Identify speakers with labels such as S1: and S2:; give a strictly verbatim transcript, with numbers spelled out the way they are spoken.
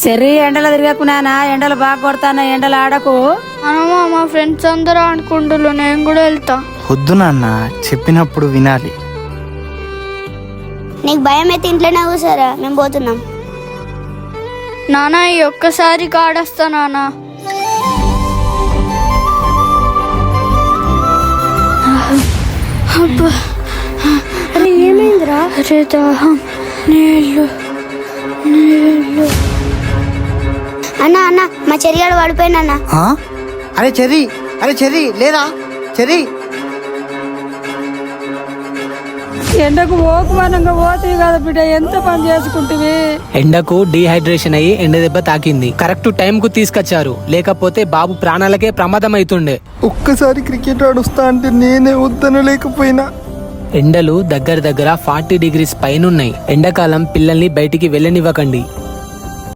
S1: Cherry ఎండలు తిరగకున్నానా, ఎండలు బాగా కొడతానా, ఎండలు ఆడకు.
S2: అనమా మా ఫ్రెండ్స్ అందరూ అనుకుంటున్నారు, నేను కూడా వెళ్తా.
S3: వద్దు నాన్న, చెప్పినప్పుడు వినాలి.
S4: నీకు భయం అయితే ఇంట్లోనే కూర్చోరా, మేము పోతున్నాం.
S2: నానా ఈ ఒక్కసారి కాడొస్తా నానా.
S4: అరే ఏమైందిరా?
S2: అరే దాహం, నీళ్ళు నీళ్ళు.
S4: అన్న అన్న మా చెరిగాడు పడిపోయినా.
S3: ఆ? అరే చెర్రీ, అరే చెర్రీ లేరా చెర్రీ.
S1: ఎండకు ఓకుమానంగా పోతుంది కదా బిడ్డ, ఎంత పని చేసుకుంటువి.
S5: ఎండకు డీహైడ్రేషన్ అయ్యి ఎండ దెబ్బ తాకింది. కరెక్ట్ టైం కు తీసుకొచ్చారు, లేకపోతే బాబు ప్రాణాలకే ప్రమాదం అవుతుండే.
S3: ఒక్కసారి క్రికెట్ ఆడుస్తా అంటే నేనే వద్దను లేకపోయినా.
S5: ఎండలు దగ్గర దగ్గర ఫార్టీ డిగ్రీస్ పైనున్నాయి. ఎండాకాలం పిల్లల్ని బయటికి వెళ్ళనివ్వకండి.